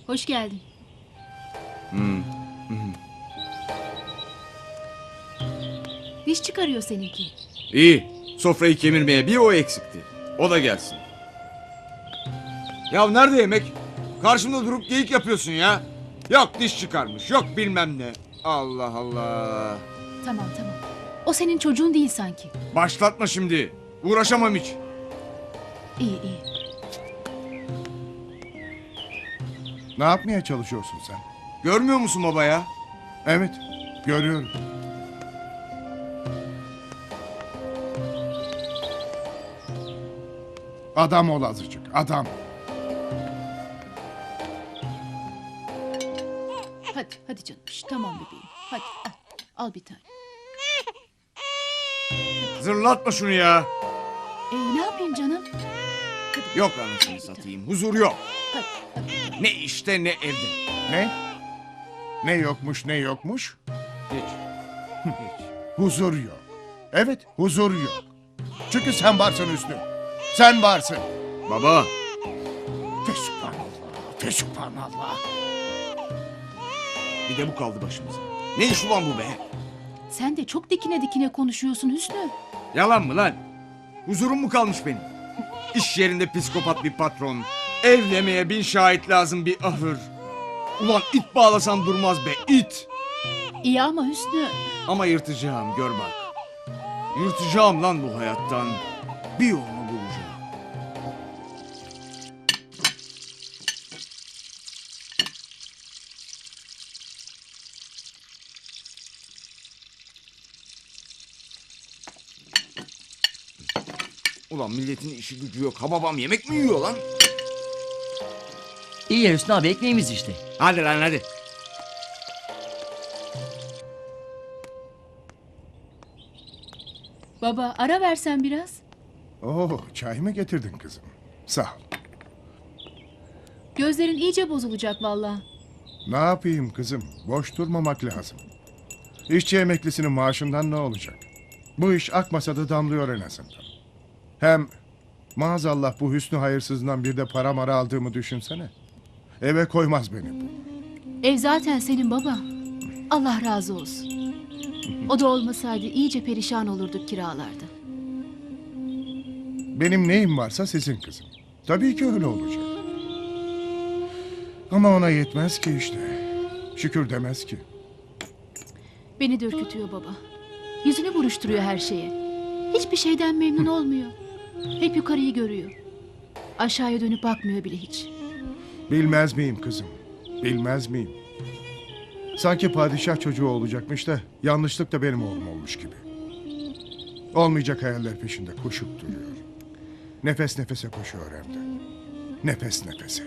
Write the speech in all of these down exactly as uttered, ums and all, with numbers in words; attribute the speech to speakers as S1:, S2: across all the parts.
S1: Hoş geldin.
S2: Hmm. Hmm.
S1: Diş çıkarıyor seninki.
S2: İyi. Sofrayı kemirmeye bir o eksikti. O da gelsin. Ya nerede yemek? Karşımda durup geyik yapıyorsun ya. Yok diş çıkarmış, yok bilmem ne. Allah Allah.
S1: Tamam tamam. O senin çocuğun değil sanki.
S2: Başlatma şimdi. Uğraşamam hiç.
S1: İyi iyi.
S3: Ne yapmaya çalışıyorsun sen?
S2: Görmüyor musun baba ya?
S3: Evet, görüyorum. Adam ol azıcık, adam.
S1: Hadi hadi canım. Şş, tamam bebeğim. Hadi al, al bir tane.
S2: Zırlatma şunu ya.
S1: Ee, ne yapayım canım?
S2: Yok anasını satayım. Huzur yok.
S1: Hadi hadi.
S2: Ne işte ne evde.
S3: Ne? Ne yokmuş, ne yokmuş?
S2: Hiç. Hiç.
S3: Huzur yok. Evet, huzur yok. Çünkü sen varsın Hüsnü. Sen varsın.
S2: Baba.
S3: Fesubhanallah, fesubhanallah.
S2: Bir de bu kaldı başımıza. Ne iş ulan bu be?
S1: Sen de çok dikine dikine konuşuyorsun Hüsnü.
S2: Yalan mı lan? Huzurum mu kalmış benim? İş yerinde psikopat bir patron. Evlemeye bin şahit lazım bir ahır. Ulan it bağlasan durmaz be it.
S1: İyi ama Hüsnü.
S2: Ama yırtacağım gör bak. Yırtacağım lan bu hayattan. Bir yolunu bulacağım. Ulan milletin işi gücü yok. Ha babam yemek mi yiyor lan?
S4: İyi ya Hüsnü abi ekmeğimiz işte.
S2: Hadi lan hadi.
S1: Baba ara versen biraz.
S3: Oo, çay mı getirdin kızım? Sağ ol.
S1: Gözlerin iyice bozulacak vallahi.
S3: Ne yapayım kızım? Boş durmamak lazım. İşçi emeklisinin maaşından ne olacak? Bu iş akmasa da damlıyor en azından. Hem maazallah bu Hüsnü hayırsızından bir de para mara aldığımı düşünsene. Eve koymaz beni bu.
S1: Ev zaten senin baba. Allah razı olsun. O da olmasaydı iyice perişan olurduk kiralarda.
S3: Benim neyim varsa sizin kızım. Tabii ki öyle olacak. Ama ona yetmez ki işte. Şükür demez ki.
S1: Beni de ürkütüyor baba. Yüzünü buruşturuyor her şeye. Hiçbir şeyden memnun olmuyor. Hep yukarıyı görüyor. Aşağıya dönüp bakmıyor bile hiç.
S3: Bilmez miyim kızım? Bilmez miyim? Sanki padişah çocuğu olacakmış da yanlışlık da benim oğlum olmuş gibi. Olmayacak hayaller peşinde koşup duruyor. Nefes nefese koşuyor hem de. Nefes nefese.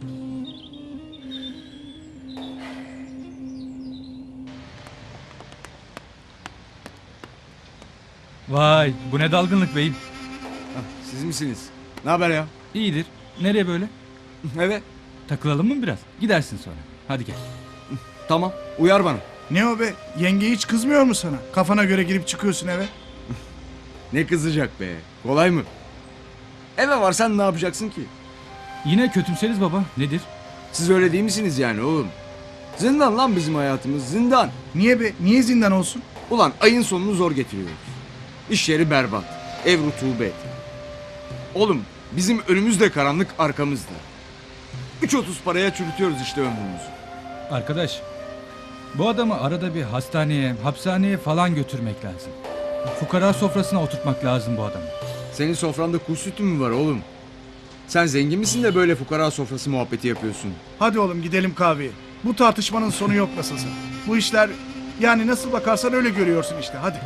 S5: Vay, bu ne dalgınlık beyim.
S2: Hah, siz misiniz? Ne haber ya?
S5: İyidir. Nereye böyle?
S2: Evet.
S5: Takılalım mı biraz? Gidersin sonra. Hadi gel.
S2: Tamam. Uyar bana.
S6: Ne o be? Yenge hiç kızmıyor mu sana? Kafana göre girip çıkıyorsun eve.
S2: Ne kızacak be? Kolay mı? Eve varsan ne yapacaksın ki?
S5: Yine kötümseriz baba. Nedir?
S2: Siz öyle değil misiniz yani oğlum? Zindan lan bizim hayatımız zindan.
S6: Niye be? Niye zindan olsun?
S2: Ulan ayın sonunu zor getiriyoruz. İş yeri berbat. Ev rutubet. Oğlum bizim önümüz de karanlık arkamızda. Üç otuz paraya çürütüyoruz işte ömrümüzü.
S5: Arkadaş, bu adamı arada bir hastaneye, hapishaneye falan götürmek lazım. Fukara sofrasına oturtmak lazım bu adamı.
S2: Senin sofranda kuş sütü mü var oğlum? Sen zengin misin de böyle fukara sofrası muhabbeti yapıyorsun?
S6: Hadi oğlum gidelim kahveye. Bu tartışmanın sonu yok nasılsa. Bu işler yani nasıl bakarsan öyle görüyorsun işte. Hadi.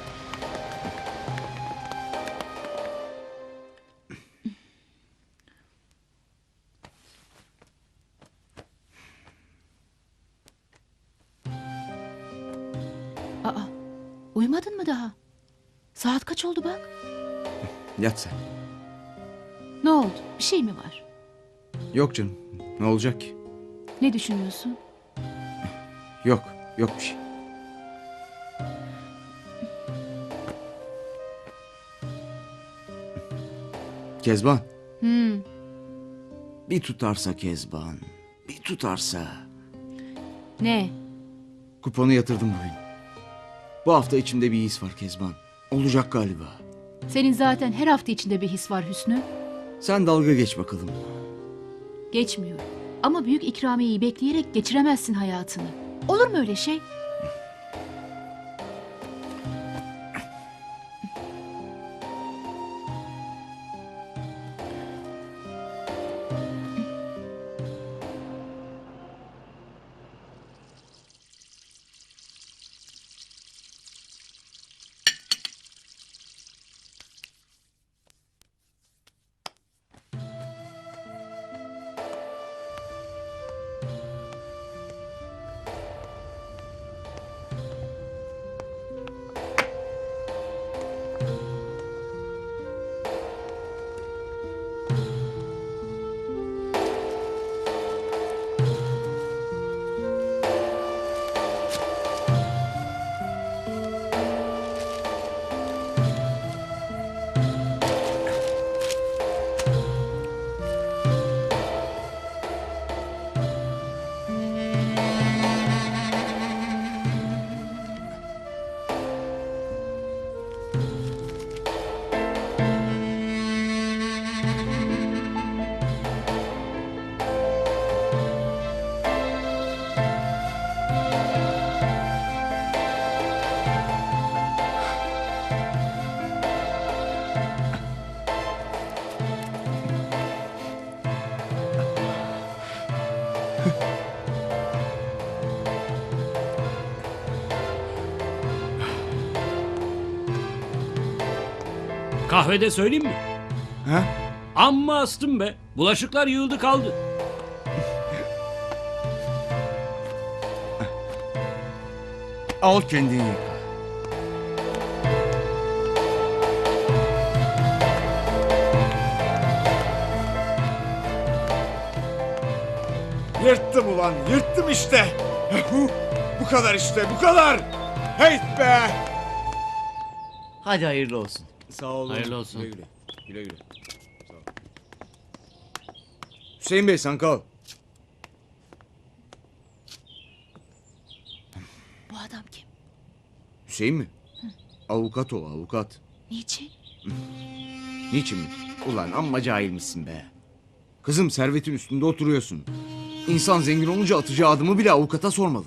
S1: Aa, uyumadın mı daha? Saat kaç oldu bak?
S2: Yat sen.
S1: Ne oldu? Bir şey mi var?
S2: Yok canım. Ne olacak ki?
S1: Ne düşünüyorsun?
S2: Yok. Yok bir şey. Kezban.
S1: Hmm.
S2: Bir tutarsa Kezban. Bir tutarsa.
S1: Ne?
S2: Kuponu yatırdım bugün. Bu hafta içimde bir his var Kezban. Olacak galiba.
S1: Senin zaten her hafta içinde bir his var Hüsnü.
S2: Sen dalga geç bakalım.
S1: Geçmiyor. Ama büyük ikramiyeyi bekleyerek geçiremezsin hayatını. Olur mu öyle şey?
S4: Kahvede söyleyeyim mi?
S2: Ha?
S4: Amma astım be. Bulaşıklar yığıldı kaldı.
S2: Al kendini yıka.
S7: Yırttım ulan, yırttım işte. Bu kadar işte, bu kadar. Heyt be.
S2: Hadi hayırlı olsun.
S7: Sağ olun.
S4: Hayırlı olsun.
S2: Güle güle. Güle güle. Sağ ol. Hüseyin Bey sen kal.
S1: Bu adam kim?
S2: Hüseyin mi? Avukat o avukat.
S1: Niçin?
S2: Niçin mi? Ulan amma cahilmişsin be. Kızım servetin üstünde oturuyorsun. İnsan zengin olunca atacağı adımı bile avukata sormalı.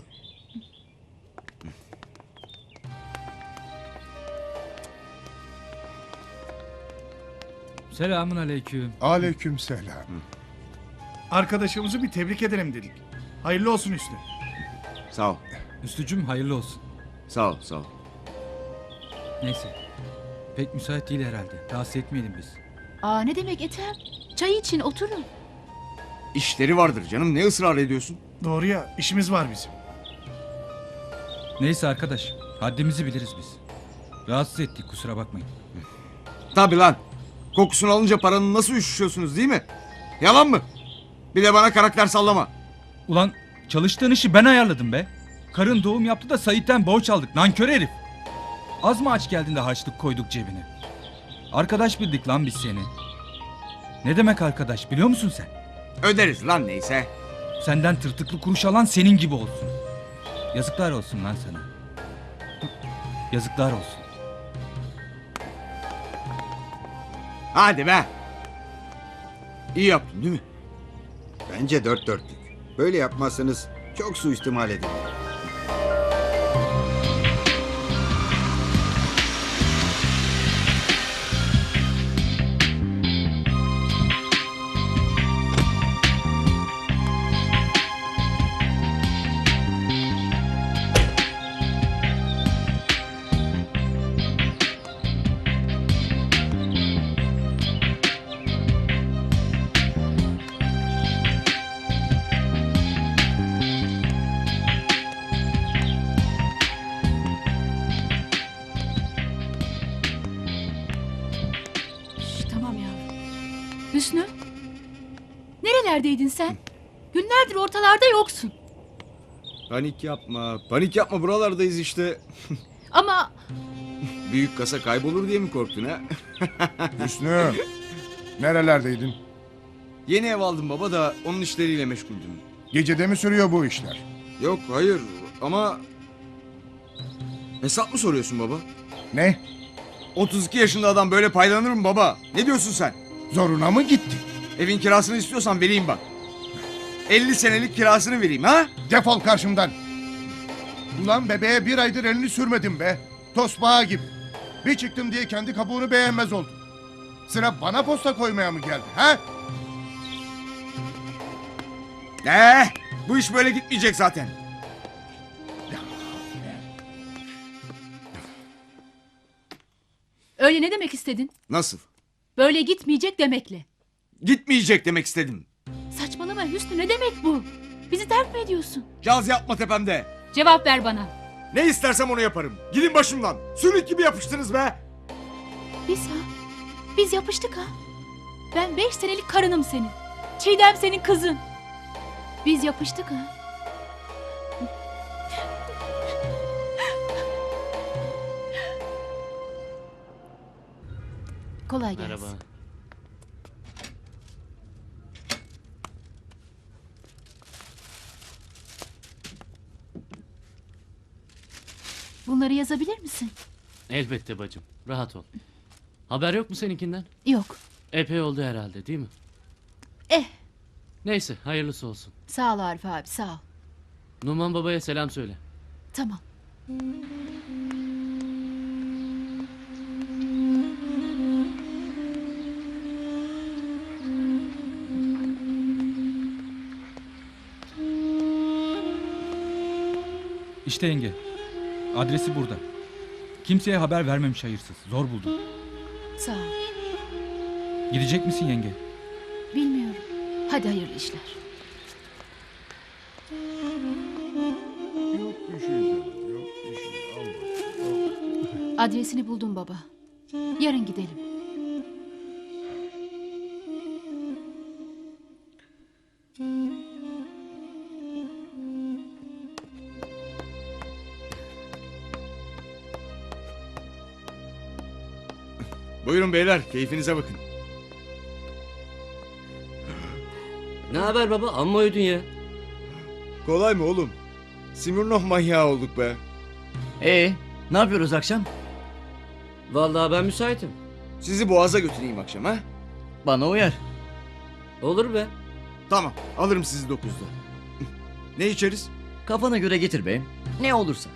S5: Selamun aleyküm.
S3: Aleyküm selam.
S6: Arkadaşımızı bir tebrik edelim dedik. Hayırlı olsun Hüsnü.
S2: Sağ ol.
S5: Üstücüm hayırlı olsun.
S2: Sağ ol sağ ol.
S5: Neyse. Pek müsait değil herhalde. Rahatsız etmeyelim biz.
S1: Aa ne demek Ethem? Çay için oturun.
S2: İşleri vardır canım ne ısrar ediyorsun?
S6: Doğru ya, işimiz var bizim.
S5: Neyse arkadaş. Haddimizi biliriz biz. Rahatsız ettik kusura bakmayın.
S2: Tabi lan. Kokusunu alınca paranın nasıl üşüşüyorsunuz değil mi? Yalan mı? Bir de bana karakter sallama.
S5: Ulan çalıştığın işi ben ayarladım be. Karın doğum yaptı da Sait'ten borç aldık. Nankör herif. Az mı aç geldin de harçlık koyduk cebine? Arkadaş bildik lan biz seni. Ne demek arkadaş biliyor musun sen?
S2: Öderiz lan neyse.
S5: Senden tırtıklı kuruş alan senin gibi olsun. Yazıklar olsun lan sana. Yazıklar olsun.
S2: Hadi be. İyi yaptın değil mi?
S8: Bence dört dörtlük. Böyle yapmazsanız çok suistimal edilir.
S1: Şş, tamam yavrum. Hüsnü? Nerelerdeydin sen? Günlerdir ortalarda yoksun.
S2: Panik yapma. Panik yapma buralardayız işte.
S1: Ama
S2: Büyük kasa kaybolur diye mi korktun ha?
S3: Hüsnü, nerelerdeydin?
S2: Yeni ev aldım baba da onun işleriyle meşguldüm.
S3: Gecede mi sürüyor bu işler?
S2: Yok hayır ama... Hesap mı soruyorsun baba?
S3: Ne?
S2: otuz iki yaşında adam böyle paylanır mı baba? Ne diyorsun sen?
S3: Zoruna mı gitti?
S2: Evin kirasını istiyorsan vereyim bak. elli senelik kirasını vereyim ha?
S3: Defol karşımdan. Ulan bebeğe bir aydır elini sürmedim be. Tosbağa gibi. Bir çıktım diye kendi kabuğunu beğenmez oldum. Sıra bana posta koymaya mı geldi ha?
S2: Ee, bu iş böyle gitmeyecek zaten.
S1: Öyle ne demek istedin?
S2: Nasıl?
S1: Böyle gitmeyecek demekle.
S2: Gitmeyecek demek istedim.
S1: Saçmalama Hüsnü, ne demek bu? Bizi terk mi ediyorsun?
S2: Caz yapma tepemde.
S1: Cevap ver bana.
S2: Ne istersem onu yaparım. Gidin başımdan. Sülük gibi yapıştınız be.
S1: Biz ha? Biz yapıştık ha? Ben beş senelik karınım senin. Çiğdem senin kızın. Biz yapıştık ha? Kolay gelsin.
S4: Merhaba.
S1: Bunları yazabilir misin?
S9: Elbette bacım. Rahat ol. Haber yok mu seninkinden?
S1: Yok.
S9: Epey oldu herhalde değil mi?
S1: Eh,
S9: Neyse hayırlısı olsun.
S1: sağ ol Arif abi, sağ ol.
S9: Numan babaya selam söyle.
S1: Tamam.
S5: İşte yenge. Adresi burada. Kimseye haber vermemiş hayırsız. Zor buldum.
S1: Sağ ol.
S5: Gidecek misin yenge?
S1: Bilmiyorum. Hadi hayırlı işler.
S3: Yok bir şey canım, yok bir şey. Al bak, al.
S1: Adresini buldum baba. Yarın gidelim.
S2: Buyurun beyler, keyfinize bakın.
S9: Ne haber baba? Amma uyudun ya.
S2: Kolay mı oğlum? Simirnov manyağı olduk be.
S10: Ee, ne yapıyoruz akşam?
S9: Vallahi ben müsaitim.
S2: Sizi Boğaz'a götüreyim akşam ha?
S10: Bana uyar.
S9: Olur be.
S2: Tamam, alırım sizi dokuzda. Ne içeriz?
S10: Kafana göre getir be. Ne olursa.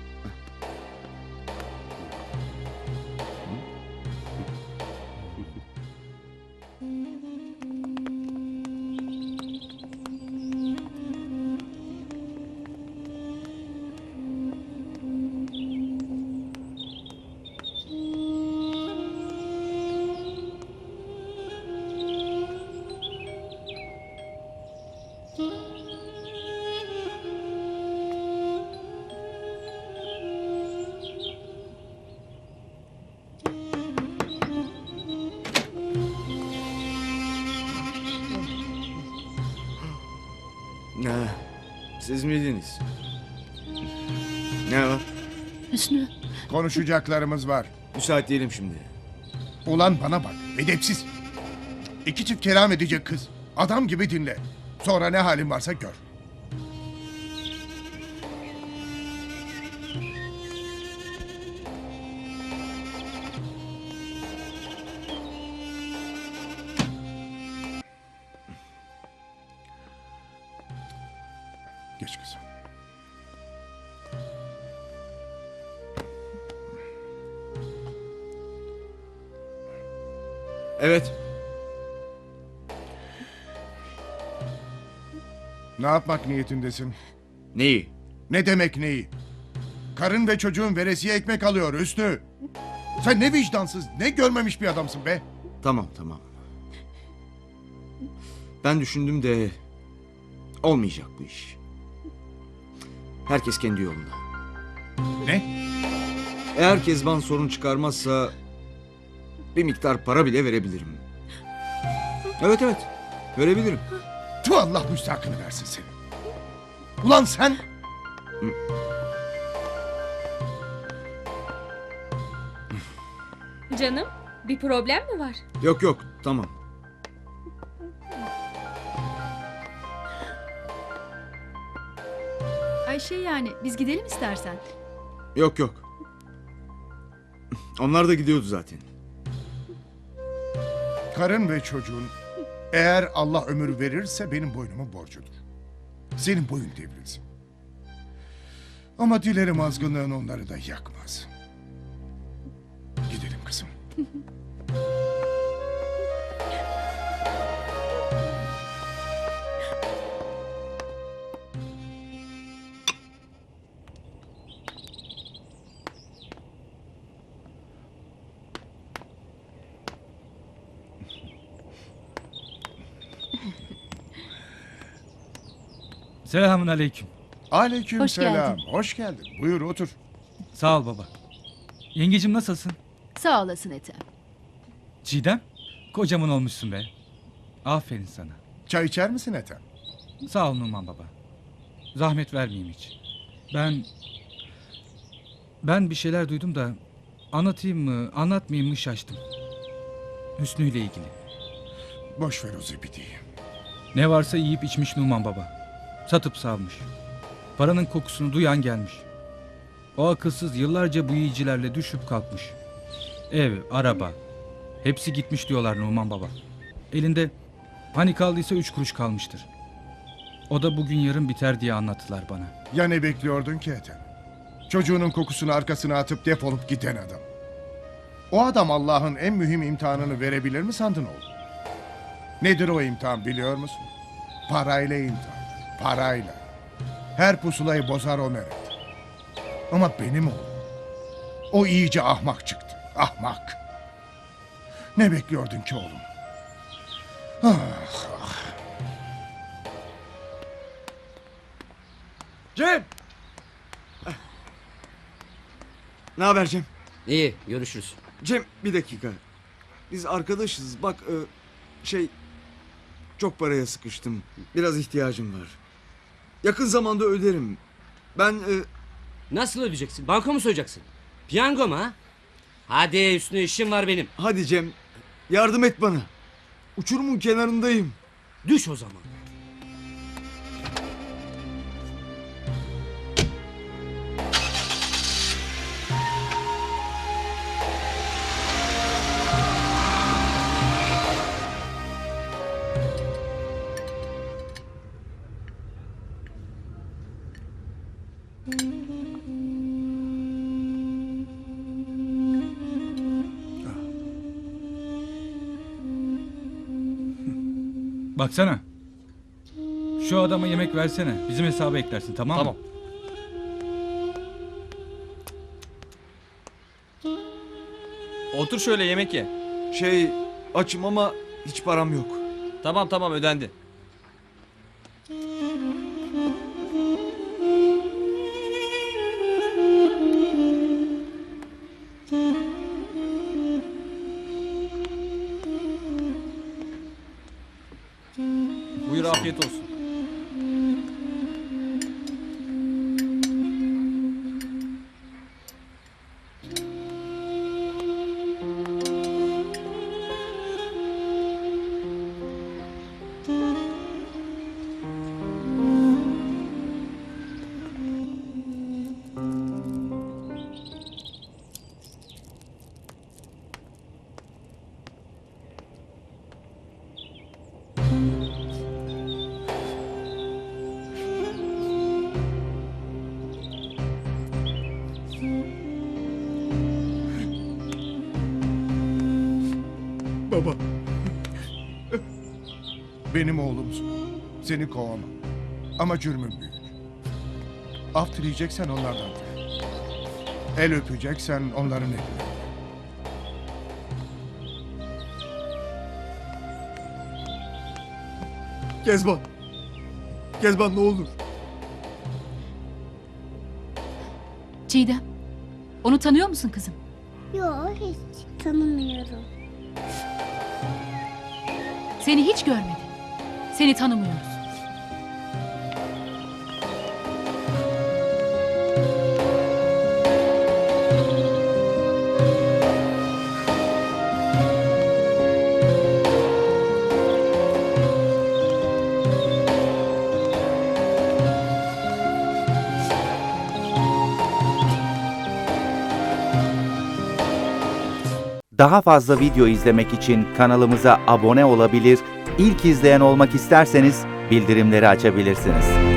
S2: Ne? Siz miydiniz? Ne var?
S1: Hüsnü,
S3: Konuşacaklarımız var.
S2: Müsait değilim şimdi.
S3: Ulan bana bak, edepsiz. İki çift kelam edecek kız. Adam gibi dinle. Sonra ne halin varsa gör. Geç kızım.
S2: Evet.
S3: Ne yapmak niyetindesin?
S2: Neyi?
S3: Ne demek neyi? Karın ve çocuğun veresiye ekmek alıyor Hüsnü. Sen ne vicdansız, ne görmemiş bir adamsın be.
S2: Tamam tamam. Ben düşündüm de olmayacak bu iş. Herkes kendi yolunda.
S3: Ne?
S2: Eğer Kezban sorun çıkarmazsa bir miktar para bile verebilirim. Evet evet, verebilirim.
S3: Tu Allah müstakını versin seni. Ulan sen...
S11: Canım, bir problem mi var?
S2: Yok yok, tamam.
S1: şey yani. Biz gidelim istersen.
S2: Yok yok. Onlar da gidiyordu zaten.
S3: Karın ve çocuğun eğer Allah ömür verirse benim boynumun borcudur. Senin boyun devrilsin. Ama dilerim azgınlığın onları da yakmaz. Gidelim kızım.
S5: Selamun aleyküm.
S3: Aleyküm
S1: Hoş
S3: selam.
S1: geldin.
S3: Hoş geldin. Buyur otur.
S5: Sağ ol baba. Yengecim nasılsın?
S1: Sağ olasın Ethem.
S5: Çiğdem? Kocaman olmuşsun be. Aferin sana.
S3: Çay içer misin Ethem?
S5: Sağ ol Numan baba. Zahmet vermeyeyim hiç. Ben... Ben bir şeyler duydum da... Anlatayım mı, anlatmayayım mı şaştım. Hüsnü ile ilgili.
S3: Boş ver o zibidi.
S5: Ne varsa yiyip içmiş Numan baba. Satıp savmış. Paranın kokusunu duyan gelmiş. O akılsız yıllarca bu yiyicilerle düşüp kalkmış. Ev, araba. Hepsi gitmiş diyorlar Numan baba. Elinde hani kaldıysa üç kuruş kalmıştır. O da bugün yarın biter diye anlattılar bana.
S3: Ya ne bekliyordun ki Ethem? Çocuğunun kokusunu arkasına atıp defolup giden adam. O adam Allah'ın en mühim imtihanını verebilir mi sandın oğlum? Nedir o imtihan biliyor musun? Parayla imtihan. Parayla. Her pusulayı bozar o meret. Ama benim oğlum. O iyice ahmak çıktı. Ahmak. Ne bekliyordun ki oğlum? Ah, ah.
S2: Cem! Ne haber Cem?
S9: İyi, görüşürüz.
S2: Cem bir dakika. Biz arkadaşız. Bak e, şey... Çok paraya sıkıştım. Biraz ihtiyacım var. Yakın zamanda öderim. Ben... e,
S9: Nasıl ödeyeceksin? Banka mı soyacaksın? Piyango mu ha? Hadi Hüsnü, işim var benim.
S2: hadi Cem. Yardım et bana. Uçurumun kenarındayım.
S9: Düş o zaman.
S5: Baksana. Şu adama yemek versene. Bizim hesaba eklersin, tamam mı?
S9: Tamam.
S12: Otur şöyle yemek ye.
S2: Şey açım ama hiç param yok.
S12: Tamam tamam ödendi. Buyur afiyet olsun.
S3: Baba. Benim oğlumsun. Seni kovamam. Ama cürmüm büyük. Af dileyeceksen onlardan dile. El öpeceksen onların eline.
S2: Kezban. Kezban ne olur.
S1: Çiğdem. Onu tanıyor musun kızım?
S13: Yok hiç tanımıyorum.
S1: Seni hiç görmedim. Seni tanımıyoruz.
S14: Daha fazla video izlemek için kanalımıza abone olabilir, ilk izleyen olmak isterseniz bildirimleri açabilirsiniz.